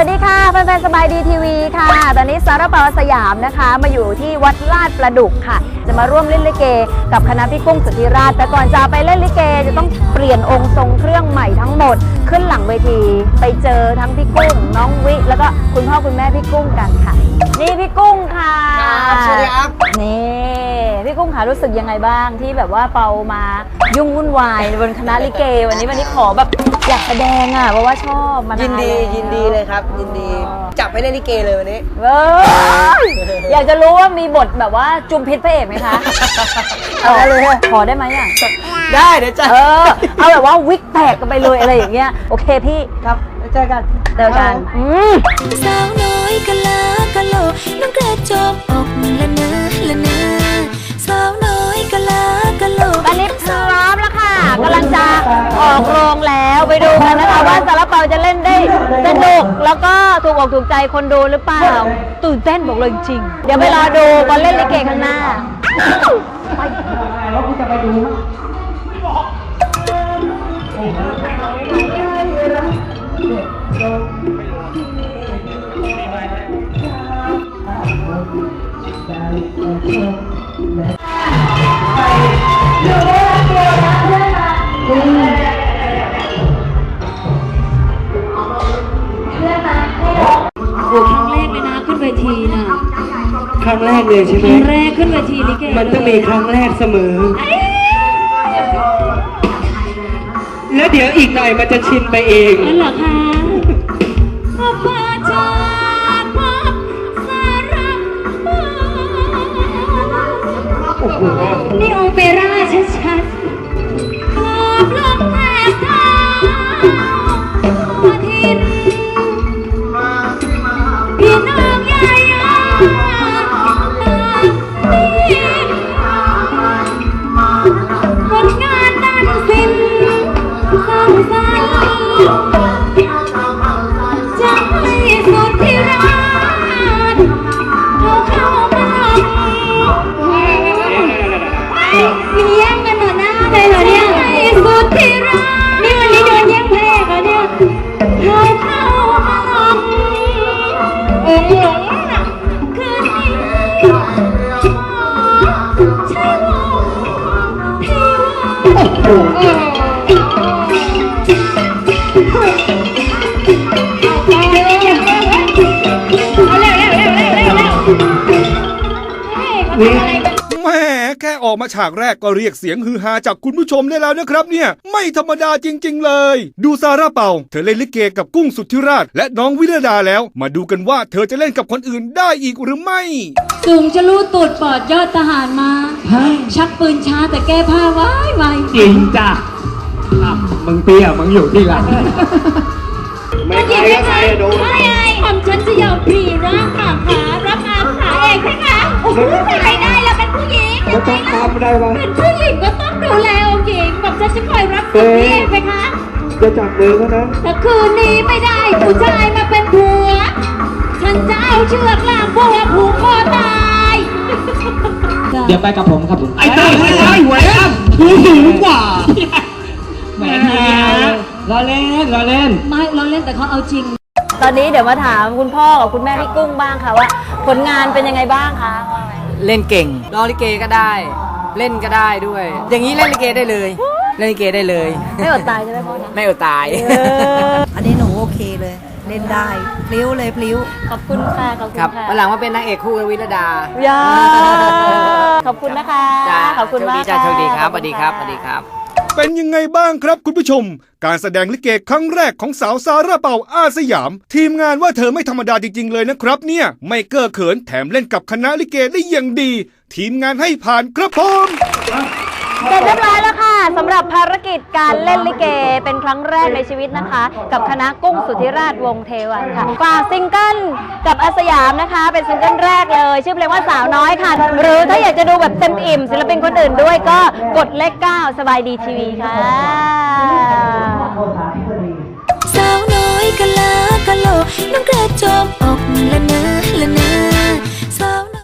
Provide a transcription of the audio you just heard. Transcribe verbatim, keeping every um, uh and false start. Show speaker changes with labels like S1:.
S1: วัสดีค่ะแฟนๆสบายดีทีวีค่ะตอนนี้ซาร่าเปาสยามนะคะมาอยู่ที่วัดลาดประดุกค่ะจะมาร่วมเล่นลิเกกับคณะพี่กุ้งสุทธิราชแต่ก่อนจะไปเล่นลิเกจะต้องเปลี่ยนองค์ทรงเครื่องใหม่ทั้งหมดขึ้นหลังเวทีไปเจอทั้งพี่กุ้งน้องวิแล้วก็คุณพ่อคุณแม่พี่กุ้งกันค่ะนี่พี่กุ้งค่ะ
S2: ครับสวัสดีครับ
S1: นี่พี่กุ้งค่ะรู้สึกยังไงบ้างที่แบบว่าเปามายุ่งวุ่นวายบนคณะลิเกวันนี้วันนี้ขอแบบอยากแสดงอ่ะเพราะว่าชอบมานานยิน
S2: ดียินดีเลยครับยินดีจับไปเล่นลิเกเลยวันนี้
S1: เอออยากจะรู้ว่ามีบทแบบว่าจุมพิษพระเอกไหมคะ
S2: เอาเลย
S1: ขอได้ไหมอ่ะ
S2: ได้เดี๋ยวจะ
S1: เออเอาแบบว่าวิกแตกกันไปเลยอะไรอย่างเงี้ยโอเคพี่
S2: ครับเจอกัน
S1: เจอกัน
S3: สาวน้อยกะลากะโลน้องกระจกอกละนะละนะสาวน้อยกะลากะโล
S1: ตอนนี้พร้อมแล้วค่ะกำลังจะออกโรงแล้วไปดูกันนะคะว่าซาร่าเปาจะเล่นได้สนุกแล้วก็ถูกอกถูกใจคนดูหรือเปล่าตื่นเต้นบอกเลยจริงเดี๋ยวไปรอดูตอนเล่นลิเกข้างหน้าไปแล้วกูจะไปดู
S3: โอ้ครั้งแรกเลยนะขึ้นเวทีน่ะ
S2: ครั้งแรกเลยใช่ไหม
S3: ครั้งแรกขึ้นเวทีลิเก
S2: มันต้องมีครั้งแรกเสมอแล้วเดี๋ยวอีกหน่อยมันจะชินไปเอง
S3: นั่นเหรอคะขอบคุณจ้าขอบสารักนี่โอเปร่าชัดๆขอบลมแทบเท้าทินพี่น้องยายาผลงานด้านศิลป์สร้างสรรค์จะให้สุดที่รักเอาเข้ามามีแย่งกันหน่อยนะเลยเหรอเนี่ยให้สุดที่รักนี่วันนี้โดนแย่งเพลงเหรอเนี่ยเอาเข้ามาองค์หลงน่ะคืนนี้ใช่ว่าที่ว่า
S4: แม่แค่ออกมาฉากแรกก็เรียกเสียงฮือฮาจากคุณผู้ชมได้แล้วนะครับเนี่ยไม่ธรรมดาจริงๆเลยดูซาร่าเปาเธอเล่นลิเกกับกุ้งสุทธิราชและน้องวิรดาแล้วมาดูกันว่าเธอจะเล่นกับคนอื่นได้อีกหรือไม่
S3: สูงจะรู้ตูดปอดยอดทหารมาชักปืนช้าแต่แก้ผ้าไว้ไว
S2: จริงจ้ะมึงเปี้ยมึงอยู่ที่หลัง
S3: ไม่ใช่ใครดูไม่ไงผมฉันจะยอมพรีร่างขาขารับงานขาเองใช่ไหมใครได้แล้วเป็นผู้หญิง
S2: ก็ต้องทำได้วะ
S3: เป็นผู้หญิงก็ต้องดูแลองค์หญิงผมฉันจะคอยรับผิดเองไหมคะ
S2: จะจับมือเขานะ
S3: แต่คืนนี้ไม่ได้ผู้ชายมาเป็นผัวฉันจะเอาเชือกล่ามผัวผูกคอตาย
S2: เดี๋ยวไปกับผมครับผมไอ้เต้ไอ้ไอ้แหวนกูสูงกว่าแหวนล้อเล่นล้อเล่น
S3: ไม่ล้อเล่นแต่เขาเอาจริง
S1: ตอนนี้เดี๋ยวมาถามคุณพ่อกับคุณแม่พี่กุ้งบ้างค่ะว่าผลงานเป็นยังไงบ้างคะ
S5: เล่นเก่งร้องลิเกก็ได้เล่นก็ได้ด้วย อย่างนี้เล่นลิเกได้เลยเล่นลิเกได้เลย
S1: ไม่อดตายใช่ไหมพ่อ
S5: ไม่อดตาย
S6: อันนี้หนูโอเคเลยเล่นได้พลิ้วเลยพลิ้ว
S1: ขอบคุณค่ะขอบคุณค่ะ
S5: วันหลังมาเป็นนางเอกคู่กับวิรดา
S1: ย่าขอบคุณนะคะขอบคุณมาก
S5: จ้าโชคดีครับสวัสดีครับสวัสดีครับ
S4: เป็นยังไงบ้างครับคุณผู้ชมการแสดงลิเกครั้งแรกของสาวซาร่าเปาอาสยามทีมงานว่าเธอไม่ธรรมดาจริงๆเลยนะครับเนี่ยไม่เก้อเขินแถมเล่นกับคณะลิเกได้อย่างดีทีมงานให้ผ่านครับผม
S1: เสร็จเรียบร้อยแล้วค่ะสำหรับภารกิจการเล่นลิเกเป็นครั้งแรกในชีวิตนะคะกับคณะกุ้งสุทธิราชวงศ์เทวันค่ะฝากซิงเกิลกับอาสยามนะคะเป็นซิงเกิลแรกเลยชื่อเพลงว่าสาวน้อยค่ะหรือถ้าอยากจะดูแบบเต็มอิ่มศิลปินคนอื่นด้วยก็กดเลขเก้าสบายดีทีวีค่ะ
S3: สาวน้อยกะลากะโลน้องกระจกอกละนะละนะ